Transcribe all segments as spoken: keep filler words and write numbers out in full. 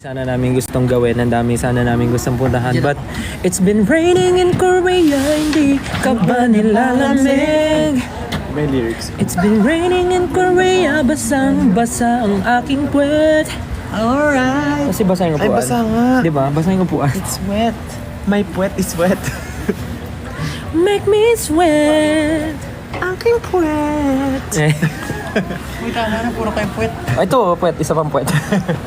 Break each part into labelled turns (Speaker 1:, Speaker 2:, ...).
Speaker 1: Sana namin gustong gawin, ang dami sana namin gustong puntahan. But it's been raining in Korea, hindi ka ba nilalamig?
Speaker 2: May lyrics.
Speaker 1: It's been raining in Korea, basang basa ang aking puwet.
Speaker 2: Alright.
Speaker 1: Kasi basa yung
Speaker 2: Ay,
Speaker 1: upuan.
Speaker 2: basa nga.
Speaker 1: Diba? Basa yung upuan.
Speaker 2: It's wet. My puwet is wet.
Speaker 1: Make me sweat.
Speaker 2: Aking puwet.
Speaker 1: Eh.
Speaker 2: Uy, tama na. Puro kayo puwet.
Speaker 1: Ito, puwet. Isa pang puwet.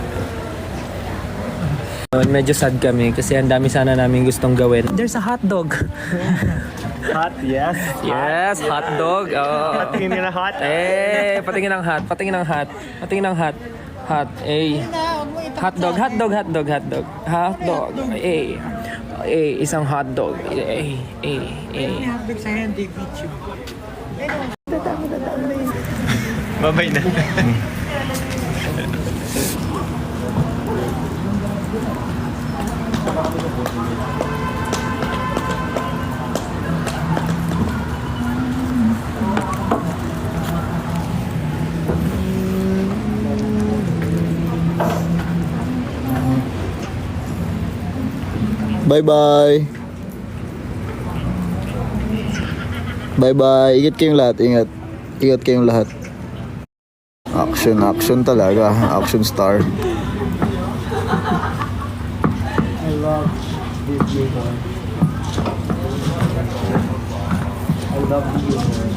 Speaker 1: Medyo sad kami kasi ang dami sana namin gustong gawin. There's a hot dog.
Speaker 2: Hot, yes.
Speaker 1: Yes, hot dog. Oh.
Speaker 2: Patingin nila hot.
Speaker 1: Eh, patingin ng hot, patingin ng hot, patingin ng hot. Hot, eh. Hot dog, hot dog, hot dog, hot dog. Hot dog, eh. Eh, isang hot dog. Eh, eh, eh.
Speaker 2: Hotdog sa hindi video. Babay na.
Speaker 3: Bye-bye. Bye-bye. Ingat kayong lahat. Ingat. Ingat kayong lahat. Action, action talaga. Action star.
Speaker 2: I love this humor. I love the humor.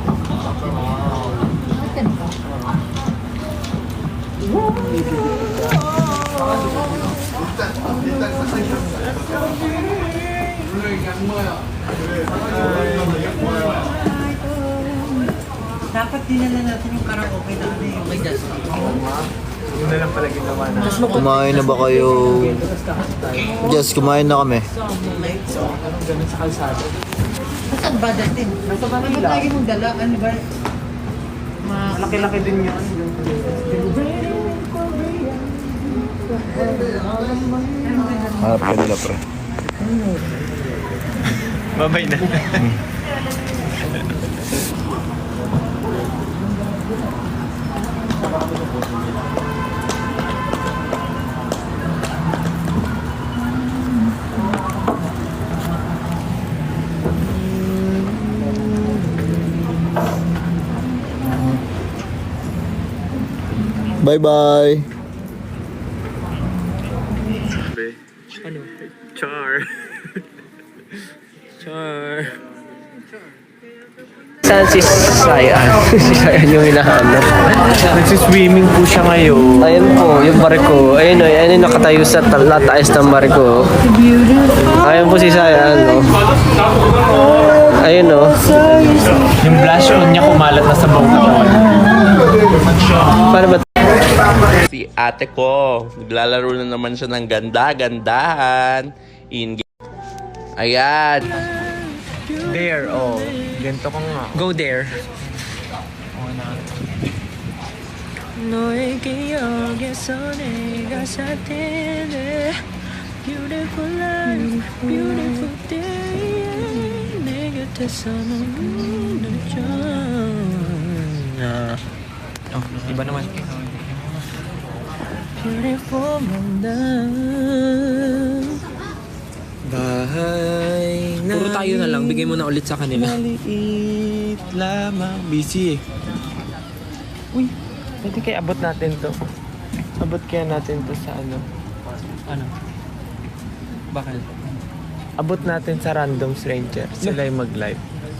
Speaker 4: Dapat dinala natin yung karaoke na ano yung may gas.
Speaker 2: Yun na lang pala ginawa na.
Speaker 3: Kumain na ba kayo? Yes, kumain na kami.
Speaker 2: Ganun sa kalsada.
Speaker 4: Saan ba datin? Nasa Manila. Ano lagi mong dala? Ano ba? Ma-
Speaker 2: Malaki-laki din yun.
Speaker 3: Harap ka nila, pre.
Speaker 2: Babay na.
Speaker 3: Bye-bye.
Speaker 1: Ano?
Speaker 2: Char.
Speaker 1: Char. Saan si Sayan? Si Sayan yung hinahanap.
Speaker 2: Nagsiswimming po siya ngayon.
Speaker 1: Ayun po, yung barko. Ayun o, ayun yung nakatayo sa taas ng barko. Ayun po si Sayan, no? Ayun o.
Speaker 2: Yung blush on niya kumalat na sa buong katawan.
Speaker 1: Paano ba?
Speaker 5: Si ate ko, naglalaro na naman siya ng ganda-gandahan. In Ayan.
Speaker 2: There, oh. Ganito ko nga.
Speaker 1: Go there.
Speaker 2: Oh, na.
Speaker 1: 너의 기억에서 내가 살 텐데 Beautiful life, beautiful day 내 곁에서 너무 늦죠.
Speaker 2: Oh, iba naman.
Speaker 1: Beautiful Mandan.
Speaker 2: Bahay na
Speaker 1: Puro tayo na lang, bigay mo na ulit sa kanila.
Speaker 2: maliit lamang. Busy eh. Uy, pwede kaya abot natin to. Abot kaya natin to sa ano.
Speaker 1: Ano? Bakal.
Speaker 2: Abot natin sa random stranger. Sila yung mag-live.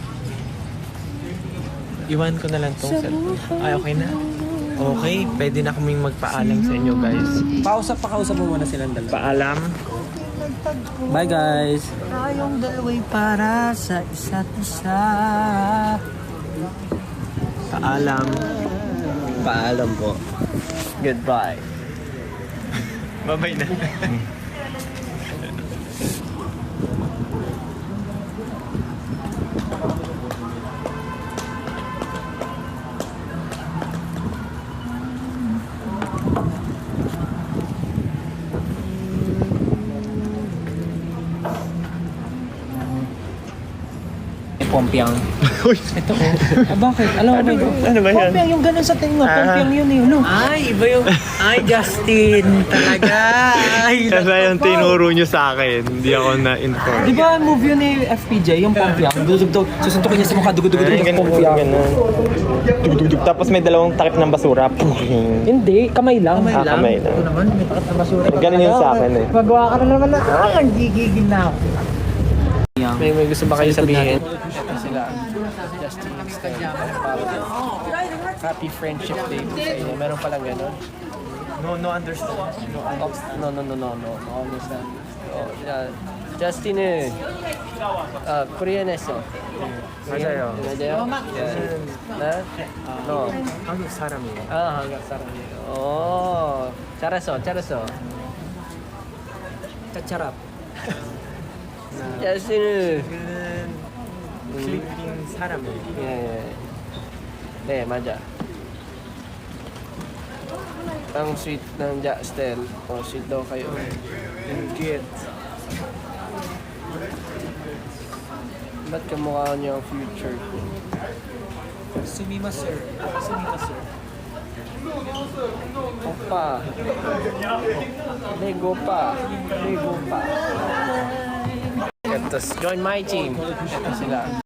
Speaker 2: Iwan ko na lang tong cellphone. Ay, okay na. Okay, pwede na kaming magpaalam sa inyo guys.
Speaker 1: Pausap, pakausap mo muna silang dalawa.
Speaker 2: Paalam.
Speaker 1: Bye guys!
Speaker 4: Tayong dalawa'y para sa isa't isa.
Speaker 2: Paalam.
Speaker 1: Paalam po.
Speaker 2: Goodbye. Bye-bye na.
Speaker 1: Pompiang. Ito oh. Ah, bakit? Alam mo ba yun?
Speaker 2: Ano ba yan?
Speaker 1: Pompiang, yung ganun sa tingin mo. Pompiang yun eh. Ano?
Speaker 4: Ay, iba yung... Ay, Justin. Talaga. Ay,
Speaker 2: Kasi yung tinuro nyo sa akin, hindi ako na-inform.
Speaker 1: Di ba move yun ni F P J, yung Pompiang? Dudugdog, susuntukin niya sa mukha, dugudugudug
Speaker 2: Ay,
Speaker 1: ng
Speaker 2: ganun,
Speaker 1: Pompiang.
Speaker 2: ganun. Dug-dug-dug. Tapos may dalawang takip ng basura. Puhing.
Speaker 1: Hindi, kamay lang.
Speaker 4: Kamay
Speaker 2: Ah,
Speaker 4: lang.
Speaker 2: kamay lang.
Speaker 4: Ito naman, may takat na basura.
Speaker 2: Ganun yun sa akin eh.
Speaker 4: Magawa ka na naman na, ah, ang gigigil na ako.
Speaker 1: May, may gusto ba kayo sabihin? Ito sila. Justin Stella. Happy Friendship Day po sa inyo. Meron palang ganun?
Speaker 2: No, no understand.
Speaker 1: No, no, no, no, no. No understand. Oh, yeah. Justin eh. Ah, Korean에서.
Speaker 2: 맞아요.
Speaker 1: 맞아요? 네? No.
Speaker 2: 한국 사람이에요.
Speaker 1: 아, 한국 사람이에요. 오, 잘했어, 잘했어.
Speaker 4: Kacharap.
Speaker 1: justin은
Speaker 2: 저는 필리핀 사람이에요.
Speaker 1: 예, 예. 네, 맞아. Ang sweet ng Justin. O, sweet daw kayo.
Speaker 2: Cute.
Speaker 1: Ba't kamukha niyo ang future ko?
Speaker 4: Sumima, sir. Sumima, sir.
Speaker 1: Opa. Lego pa. Lego pa. Ito, join my team. Ito sila.